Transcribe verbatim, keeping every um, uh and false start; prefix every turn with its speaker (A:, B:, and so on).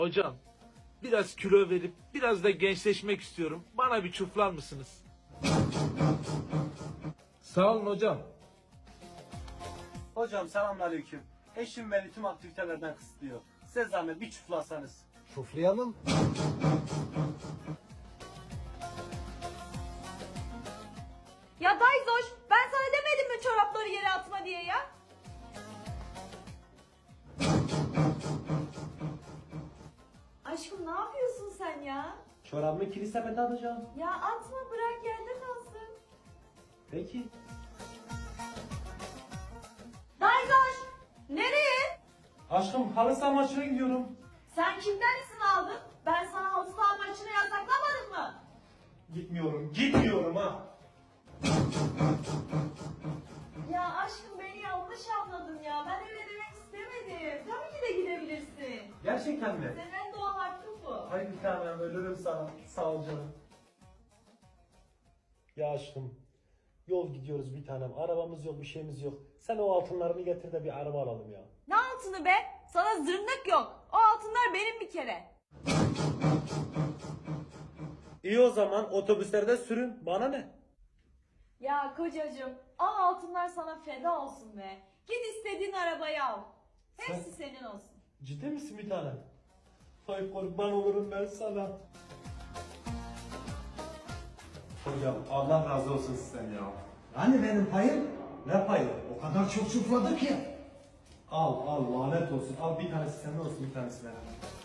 A: Hocam, biraz kilo verip biraz da gençleşmek istiyorum. Bana bir çuflar mısınız? Sağ olun hocam.
B: Hocam selamünaleyküm. Eşim beni tüm aktivitelerden kısıtlıyor. Size zahmet bir çuflasanız.
C: Şuflayalım.
D: Ya Dayzoş, ben sana demedim mi çorapları yere atma diye ya? Aşkım ne yapıyorsun sen ya?
B: Çorabımı kilit sepete atacağım.
D: Ya atma, bırak yerde kalsın.
B: Peki.
D: Dayzoş, nereye?
B: Aşkım halı saha maçına gidiyorum.
D: Sen kimden izin aldın? Ben sana halı saha maçını yasaklamadım mı?
B: Gitmiyorum, gitmiyorum ha.
D: Ya aşkım beni yanlış anladın ya. Ben öyle demek istemedim. Tabii ki de gidebilirsin.
B: Gerçekten mi?
D: Senin en doğal hakkın bu.
B: Hayır bir tanem ölürüm sana. Sağ ol canım. Ya aşkım yol gidiyoruz bir tanem. Arabamız yok, bir şeyimiz yok. Sen o altınlarını getir de bir araba alalım ya.
D: Ne altını be? Sana zırnık yok. O altınlar benim bir kere.
B: İyi o zaman otobüslerde sürün. Bana ne?
D: Ya kocacığım, o altınlar sana feda olsun be. Git istediğin arabayı al. Hepsi
B: Sen-
D: senin olsun.
B: Ciddi misin bir tanem? Ay kurban olurum ben sana. Hocam Allah razı olsun sizden ya.
C: Hani benim payım?
B: Ne payı?
C: O kadar çok şufladık ya.
B: Al al lanet olsun. Al bir tanesi sende olsun bir tanesi benim.